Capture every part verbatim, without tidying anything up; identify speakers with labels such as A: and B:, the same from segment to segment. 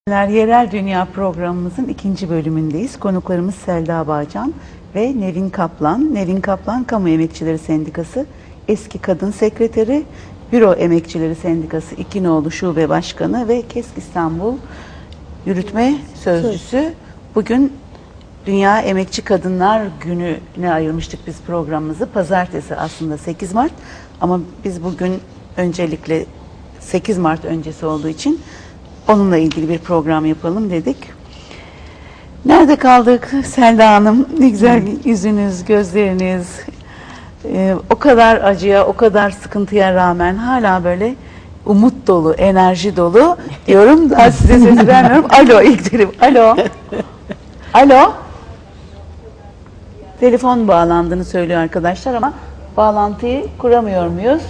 A: Yerel Dünya programımızın ikinci bölümündeyiz. Konuklarımız Selda Bağcan ve Nevin Kaplan. Nevin Kaplan, Kamu Emekçileri Sendikası eski kadın sekreteri, Büro Emekçileri Sendikası İkinoğlu Şube Başkanı ve KESK İstanbul Yürütme Sözcüsü. Bugün Dünya Emekçi Kadınlar Günü'ne ayırmıştık biz programımızı. Pazartesi aslında sekiz Mart ama biz bugün öncelikle sekiz Mart öncesi olduğu için onunla ilgili bir program yapalım dedik. Nerede kaldık Selda Hanım? Ne güzel yüzünüz, gözleriniz. Ee, o kadar acıya, o kadar sıkıntıya rağmen hala böyle umut dolu, enerji dolu diyorum. Daha size sesi vermiyorum. Alo ilk derim. Alo. Alo. Telefon bağlandığını söylüyor arkadaşlar ama bağlantıyı kuramıyor muyuz?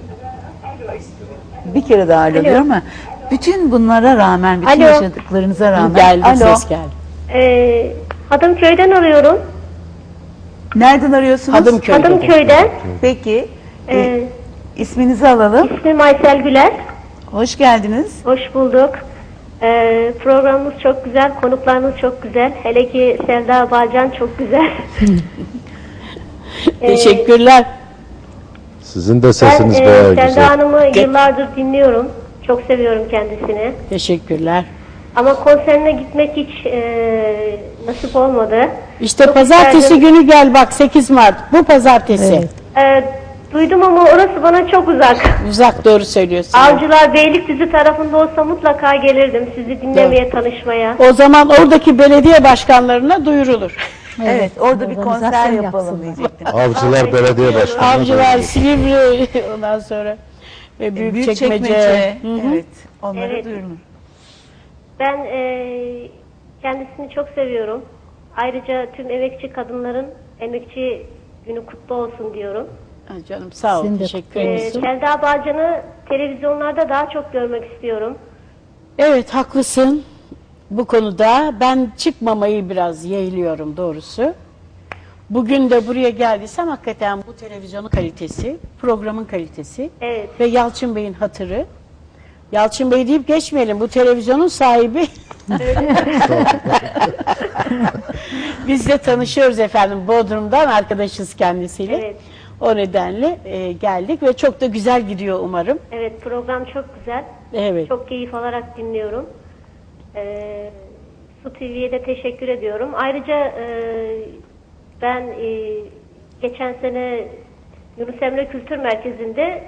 A: Bir kere daha alo, alo. diyorum ama bütün bunlara rağmen, bütün alo. yaşadıklarınıza rağmen.
B: Geldi,
A: alo.
B: ses geldi.
C: Ee, Hadımköy'den arıyorum.
A: Nereden arıyorsunuz?
B: Hadımköy'den.
C: Hadımköy'den.
A: Peki.
C: Ee,
A: e, isminizi alalım.
C: İsmim Aysel Güler.
A: Hoş geldiniz.
C: Hoş bulduk. Ee, programımız çok güzel, konuklarınız çok güzel. Hele ki Selda Bağcan çok güzel.
B: Teşekkürler.
D: Sizin de sesiniz
C: ben,
D: bayağı
C: e, Selda
D: güzel.
C: Hanım'ı yıllardır dinliyorum. Çok seviyorum kendisini.
B: Teşekkürler.
C: Ama konserine gitmek hiç e, nasip olmadı.
B: İşte
C: Çok
B: pazartesi
C: isterdim.
B: günü gel bak, sekiz Mart. Bu pazartesi.
A: Evet.
C: Ee, duydum ama orası bana çok uzak.
B: Uzak, doğru söylüyorsun.
C: Avcılar Beylikdüzü tarafında olsa mutlaka gelirdim sizi dinlemeye,
B: Evet.
C: tanışmaya.
B: O zaman oradaki belediye başkanlarına duyurulur.
A: Evet, orada bir konser yapalım diyecektim.
D: Avcılar Belediye Başkanı.
B: Avcılar, Silivri, ondan sonra ve Büyükçekmece.
A: Büyükçekmece. Evet, onları
C: Evet.
A: duyurun.
C: Ben e, kendisini çok seviyorum. Ayrıca tüm emekçi kadınların emekçi günü kutlu olsun diyorum.
B: Ha, canım sağ ol, teşekkür
C: Ee,
B: ederim.
C: Selda Bağcan'ı televizyonlarda daha çok görmek istiyorum.
B: Evet, haklısın bu konuda. Ben çıkmamayı biraz yeğliyorum doğrusu. Bugün de buraya geldiysem hakikaten bu televizyonun kalitesi, programın kalitesi
C: Evet.
B: ve Yalçın Bey'in hatırı. Yalçın Bey deyip geçmeyelim, bu televizyonun sahibi. Biz de tanışıyoruz efendim, Bodrum'dan arkadaşız kendisiyle.
C: Evet.
B: O nedenle e, geldik ve çok da güzel gidiyor umarım.
C: Evet, program çok güzel.
B: Evet.
C: Çok keyif alarak dinliyorum. Ee, Su T V'ye de teşekkür ediyorum. Ayrıca e, ben e, geçen sene Yunus Emre Kültür Merkezi'nde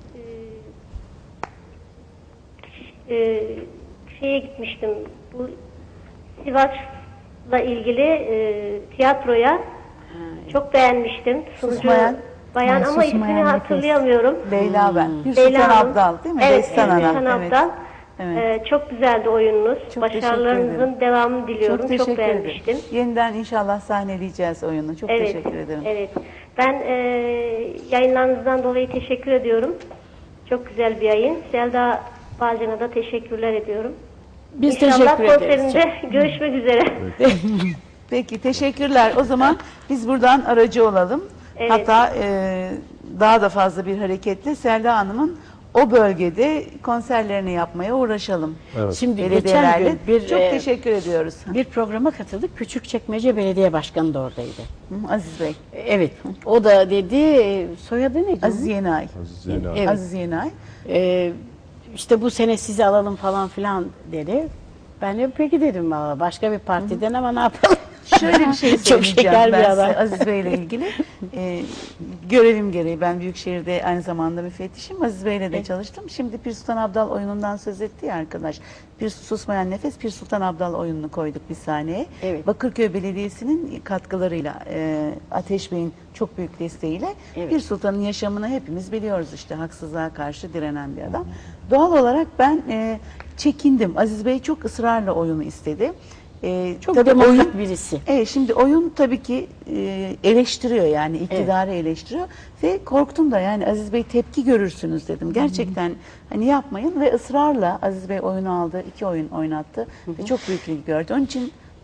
C: e, e, şeye gitmiştim. Bu Sivas'la ilgili e, tiyatroya ha, çok beğenmiştim. Sunucu
A: Susmayan.
C: bayan
A: Ha,
C: ama
A: susmayan
C: ismini
A: nefes.
C: hatırlayamıyorum.
A: Leyla ben. Bir
C: Leyla
A: Sultan
C: Hanım.
A: Abdal değil mi?
C: Evet,
A: Destan
C: evet,
A: Ana.
C: Sultan
A: Evet.
C: Abdal.
A: Evet.
C: Ee, çok güzeldi oyununuz.
A: Çok teşekkür
C: Başarılarınızın
A: ederim.
C: devamını diliyorum.
A: Çok
C: Çok,
A: teşekkür
C: beğenmiştim.
A: ederim. Yeniden inşallah sahneleyeceğiz oyunu. Çok
C: Evet,
A: teşekkür ederim.
C: evet. Ben e, yayınlarınızdan dolayı teşekkür ediyorum. Çok güzel bir yayın. Selda Bağcan'a da teşekkürler ediyorum.
B: Biz
C: İnşallah
B: teşekkür ederiz.
C: konserinde görüşmek üzere.
A: Peki teşekkürler. O zaman biz buradan aracı olalım.
C: Evet.
A: Hatta e, daha da fazla bir hareketle Selda Hanım'ın o bölgede konserlerini yapmaya uğraşalım.
D: Evet.
B: Şimdi geçen
A: Belediyelerle.
B: gün bir,
A: Çok
B: e,
A: teşekkür ediyoruz.
B: bir programa katıldık. Küçükçekmece Belediye Başkanı da oradaydı.
A: Hı, Aziz Bey.
B: Evet. O da dedi, e, soyadı neydi?
A: Aziz Yenay.
D: Aziz Yenay.
B: Evet.
A: Aziz Yenay.
B: Ee, işte bu sene sizi alalım falan filan dedi. Ben de peki dedim, valla başka bir partiden ama ne yapalım.
A: Şöyle bir şey
B: Çok
A: söyleyeceğim
B: şeker bir
A: ben
B: adam.
A: size Aziz Bey ile ilgili. Ee, görevim gereği ben Büyükşehir'de aynı zamanda müfettişim. Aziz Bey ile de çalıştım. Şimdi Pir Sultan Abdal oyunundan söz etti ya arkadaş. Bir Susmayan Nefes, Pir Sultan Abdal oyununu koyduk bir sahneye.
B: Evet.
A: Bakırköy Belediyesi'nin katkılarıyla, e, Ateş Bey'in çok büyük desteğiyle
B: Evet.
A: Pir Sultan'ın yaşamını hepimiz biliyoruz işte. Haksızlığa karşı direnen bir adam. Doğal olarak ben e, çekindim. Aziz Bey çok ısrarla oyunu istedi. E,
B: Çok
A: tabii
B: demokrat
A: oyun-
B: birisi.
A: Evet, şimdi oyun tabii ki e, eleştiriyor yani iktidarı eleştiriyor ve korktum da yani Aziz Bey tepki görürsünüz dedim. Gerçekten hani yapmayın ve ısrarla Aziz Bey oyunu aldı, iki oyun oynattı ve çok büyük ilgi gördü. Onun için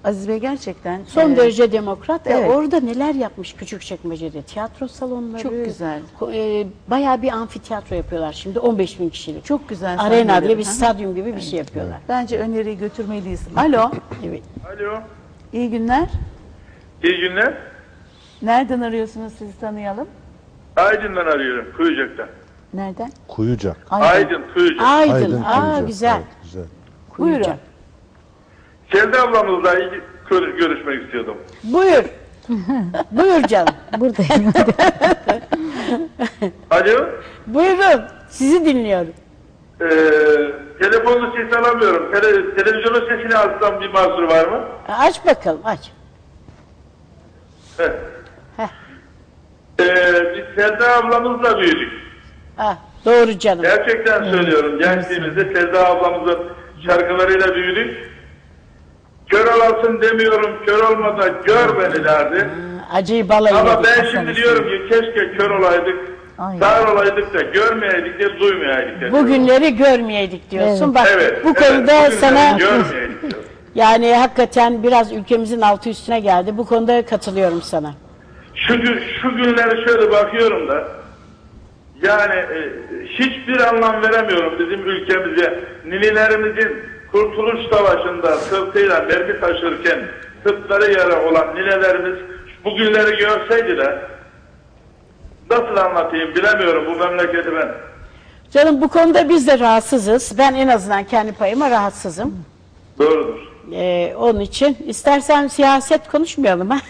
A: Aziz Bey gerçekten
B: Son
A: e,
B: derece demokrat ve
A: evet.
B: orada neler yapmış Küçükçekmece'de. Tiyatro salonları.
A: Çok güzel.
B: ko- E, bayağı bir amfiteyatro yapıyorlar şimdi on beş bin kişilik.
A: çok güzel
B: Arena
A: sahneleri.
B: diye bir
A: Hı hı.
B: stadyum gibi bir şey yapıyorlar.
A: Bence öneriyi götürmeliyiz. Alo,
B: Evet.
E: Alo.
A: iyi günler.
E: İyi günler.
A: Nereden arıyorsunuz, sizi tanıyalım?
E: Aydın'dan arıyorum. Kuyucak'tan.
A: Nereden?
D: Kuyucak.
E: Aydın, Kuyucak.
B: Aydın.
D: Aydın
B: Aa
D: Kuyucak.
B: güzel.
D: Evet, güzel.
A: Buyurun.
B: Kuyucak.
E: Selda ablamızla ilgili gör- görüşmek istiyordum.
B: Buyur. Buyur canım.
F: Buradayım.
E: Alo.
B: Buyurun. Sizi dinliyorum.
E: Ee, telefonlu ses alamıyorum. Tele, televizyonun sesini alsam bir mahsur var mı?
B: Aç bakalım aç.
E: Heh.
B: Heh.
E: Ee, biz Selda ablamızla büyüdük.
B: Ah, doğru canım.
E: Gerçekten söylüyorum. Gençliğimizde Selda ablamızın şarkılarıyla büyüdük. Kör olasın demiyorum, kör olmada gör beni derdi.
B: Acıyı balayı
E: Ama
B: yedik
E: ben
B: Hasan
E: şimdi
B: Hüseyin.
E: diyorum ki keşke kör olaydık,
F: Ay.
E: sağır olaydık da görmeyeydik de duymeyeydik de.
B: Bu günleri görmeyeydik diyorsun.
F: Evet.
B: Bak
E: Evet,
B: bu
E: evet,
B: konuda
E: bugünleri
B: sana
E: görmeyeydik diyorum.
B: yani hakikaten biraz ülkemizin altı üstüne geldi. Bu konuda katılıyorum sana.
E: Şu, gün- şu günlere şöyle bakıyorum da yani e, hiçbir anlam veremiyorum bizim ülkemize. Ninelerimizin Kurtuluş Savaşı'nda sırtıyla mermi taşırken sırtları yara olan ninelerimiz bu günleri görseydi de nasıl anlatayım bilemiyorum bu memleketi ben.
B: Canım bu konuda biz de rahatsızız. Ben en azından kendi payıma rahatsızım.
E: Doğrudur.
B: Ee, onun için istersen siyaset konuşmayalım ha.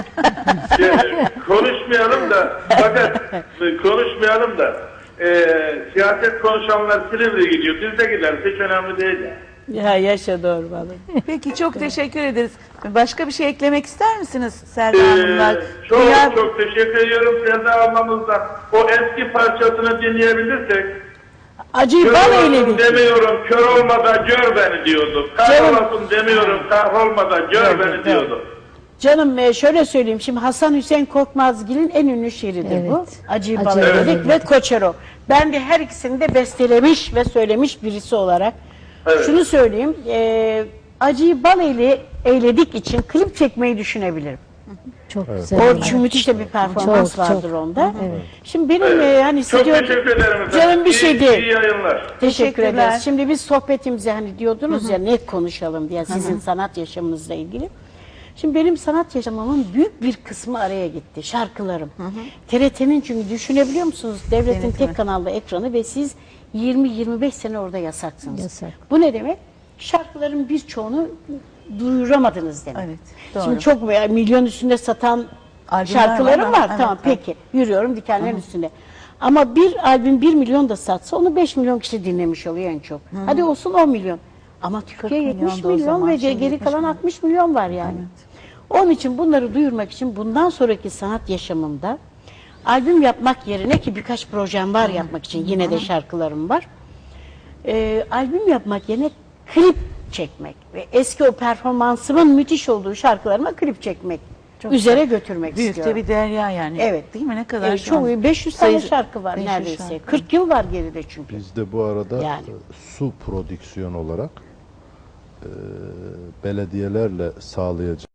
E: Yani, konuşmayalım da fakat konuşmayalım da e, siyaset konuşanlar Silivri gidiyor. Biz de gideriz. Hiç önemli değil.
B: Ya yaşa doğru vallahi.
A: Peki çok teşekkür ederiz. Başka bir şey eklemek ister misiniz Selda
E: Ee,
A: Hanımlar?
E: çok
A: Duyar-
E: çok teşekkür ediyorum Selda ablamızdan. O eski parçasını dinleyebilirsek.
B: Acıyı
E: Kör
B: bal
E: olasın
B: eyledik.
E: demiyorum, kör olmadan gör beni diyordu. Kahrolasın demiyorum, kahrolmadan gör
B: Evet,
E: beni
B: evet.
E: diyordu.
B: Canım e, şöyle söyleyeyim şimdi Hasan Hüseyin Korkmazgil'in en ünlü şiiridir bu.
F: Evet.
B: Acıyı
F: Acıyı
B: bal
F: bal
B: eyledik
F: eyledik.
B: ve Koçero. Ben de her ikisini de bestelemiş ve söylemiş birisi olarak.
E: Evet.
B: Şunu söyleyeyim. E, acıyı bal eyle, eyledik için klip çekmeyi düşünebilirim.
F: Çok güzel.
B: O çünkü müthiş de bir performans
F: Çok, çok.
B: vardır onda.
F: Evet.
B: Şimdi benim e, hani
E: Çok
B: stüdyo-
E: teşekkür ederim efendim.
B: Canım bir
E: İyi-
B: şey değil.
E: İyi yayınlar.
B: Teşekkür
A: Teşekkürler.
B: ederiz. Şimdi biz sohbetimize hani diyordunuz ya net konuşalım diye sizin sanat yaşamınızla ilgili. Şimdi benim sanat yaşamımın büyük bir kısmı araya gitti. Şarkılarım. T R T'nin çünkü düşünebiliyor musunuz? Devletin
A: Denetimi.
B: tek kanallı ekranı ve siz yirmi yirmi beş sene orada yasaksınız.
F: Yasak.
B: Bu ne demek? Şarkıların birçoğunu duyuramadınız demek.
A: Evet, doğru.
B: Şimdi çok veya milyon üstünde satan
A: Albümler
B: şarkılarım
A: var
B: var.
A: ama- evet,
B: tamam
A: evet.
B: peki. Yürüyorum dikenlerin üstünde. Ama bir albüm bir milyon da satsa onu beş milyon kişi dinlemiş oluyor en çok. Hadi olsun on milyon. Ama Türkiye
A: milyon
B: yetmiş
A: da o
B: milyon
A: zaman,
B: ve
A: şimdi
B: geri
A: yetmiş
B: kalan
A: milyon.
B: altmış milyon var yani. Onun için bunları duyurmak için bundan sonraki sanat yaşamımda albüm yapmak yerine ki birkaç projem var yapmak için yine de şarkılarım var. Ee, albüm yapmak yerine klip çekmek ve eski o performansımın müthiş olduğu şarkılarıma klip çekmek üzere götürmek
A: Büyük
B: istiyorum.
A: de bir derya yani.
B: Evet.
A: Değil mi? Ne kadar
B: Evet,
A: şu
B: çok
A: an
B: iyi. beş yüz tane
A: sayısı-
B: şarkı var
A: beş yüz
B: neredeyse.
A: şarkı.
B: kırk yıl var geride çünkü.
D: Biz de bu arada
B: Yani.
D: e, su prodüksiyon olarak e, belediyelerle sağlayacağımız